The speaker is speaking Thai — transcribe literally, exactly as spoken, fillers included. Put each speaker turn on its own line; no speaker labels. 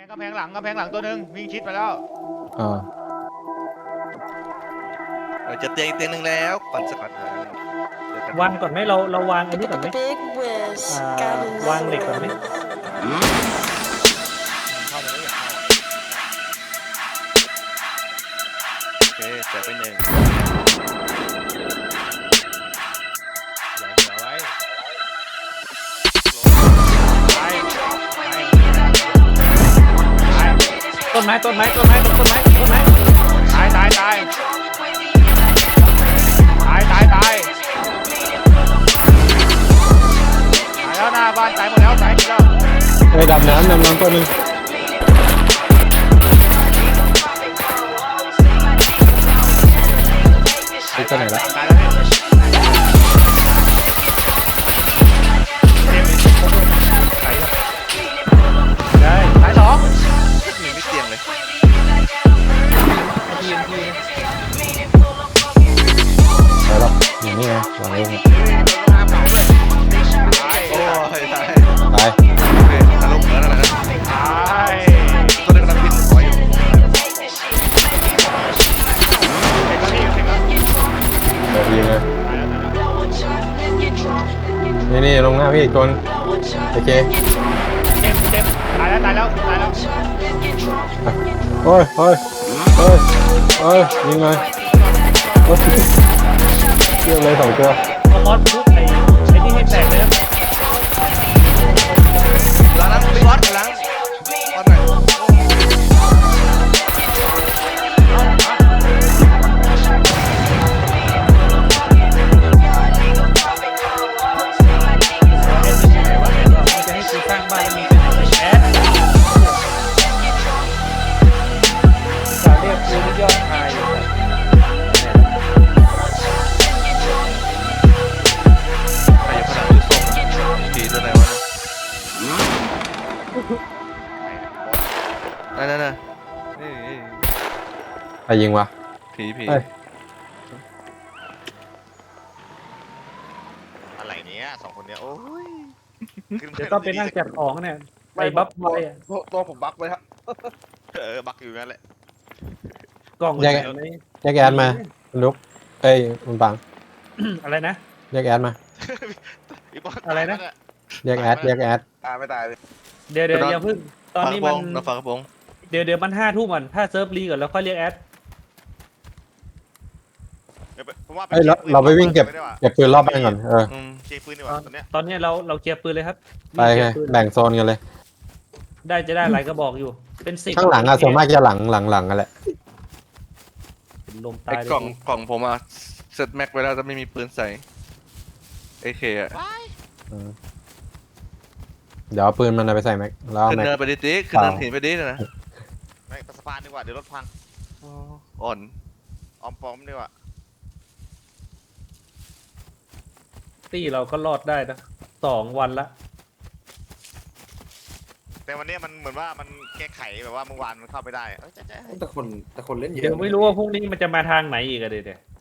กำแพงหลังกำแพงหลังตัวหนึ่งวิ่งชิดไปแล้ว
อ่า
เออจะเตียงอีกเตียงหนึ่งแล้วปั่นสกัดหา
วางก่อนไหมเราเราวางไอ้นี่ก่อนไหมอ่าวางเหล็กก่อนไหม
เข้ามาแล้วอย่าเข้า
โอเคแจกไปหนึ่ง
อย่าเหนียวไว้ไปไป
ต้นไม้ต้นไม้ต้นไม้ต้นไม้ต้นไม้
ตายตายตายตายตายตายตายแล้วหน้าบ้านตายหมดแล้วตายหมดแล้ว
ไปดำน้ำดำน้ำตัวหนึงไปตัวไหนละ
ตายแล้วเนี่ยเต็มเลยตายแล้วได้ตายสอง
มีไม่เตียงเลย
ทีมทีม
ไปหรอกอย่างนี้ไงวางเอง
ตาย
โอ้ยตาย
ตาย
โอเคตลกแล้วนะ
ตาย
ตัวนึงกำลังบินขออยู่
เด็กแล้วพี่เด็กแล้ว
เดี๋ยวยิงเลย
ตายแล้วตายแล้ว
นี่นี่ลงหน้าพี่อีกตัวนึงโอเค
เจ็บเจ็บตายแล้วตายแล้วตายแล้ว
โอ้ยโอ้ยโอ้ยโอ้ยยิงเลยโอ้ยเรียบเลยสองตัว
เอามอสทุบไอ้ไอ้นี่ให้แตกเลยนะ
ล้างล้างไปวัดล้างวัดหน่อย
มันจะให้กูสร้างบ้านแล้วมีเป็นแอดจะเรียกกูที่ยอดชายอยู่
ใครอยู่ขนาดดูส้มผีตัวไหนวะนั่นนั่นนั่นเฮ้ย
ใครยิงวะ
ผีผี
เอ้ย
อะไรเนี้ยสองคนเนี้ยโอ้ย
เดี๋ยวต้องไปนั่งจัดของเนี่ยไอ้บัฟไว้อะ
ตัวผมบักไว้ครับ
เออบักอยู่นั่นแหละ
กล่อง
แยก
ไหน
แยกแอดมาคุณลุกเอ้ยคุณปัง
อะไรนะ
แยกแอดมา
อะไรนะ
แยกแอดแยกแอด
ตายไม่ตายเลย
เดี๋ยวเดี๋ยวอย่าเพิ่งตอนนี้
ฝา
มั
ก
น
ระโปรงเราฝากระโปรง
เดี๋ยวเดี๋ยวมันห้าทุ่มก่อนถ้าเซิร์ฟรีก่อนแล้วค่อยเรียกแอด
ผมว่า
เอ้ยเราเราไปวิ่งเก็บเก็บปืนรอบบ้านก่อนเออ
อืม
เก็บปืนดีกว่าตอนเนี้ย
ตอนนี้เราเราเคลียร์ปืนเลยครับ
ไปไงแบ่งโซนกันเลย
ได้จะได้หลายกระบอกอยู่ เป็นสิบ
ข้างหลังอะส่วนมากจะหลังหลังหลังกันแหละ
ลม
ไอ้
ตายเลย
กล่องกล่องผมอะเซตแม็กไว้แล้วจะไม่มีปืนใส่เอเคอะ
อืมเดี๋ยวเอาปืนมันเอาไปใส่แม็กแล้วเอา
ขึ้น
แม็ก
เนินไปดิติ๊กขึ้นเนินหินไปดินะ
ไม่สะพานดีกว่าเดี๋ยวรถพัง
อ่อน
ออมปอมดีกว่า
ตี้เราก็รอดได้นะสองวันละ
แต่วันนี้มันเหมือนว่ามันแก้ไขแบบว่าเมื่อวานมันเข้าไปได้เออจะจะ
แต่คนแต่คนเล่นเยอะ
เดี๋ยวไม่รู้ว่าพรุ่งนี้มันจะมาทางไหนอีกอะเดี๋ยวเดี๋ยว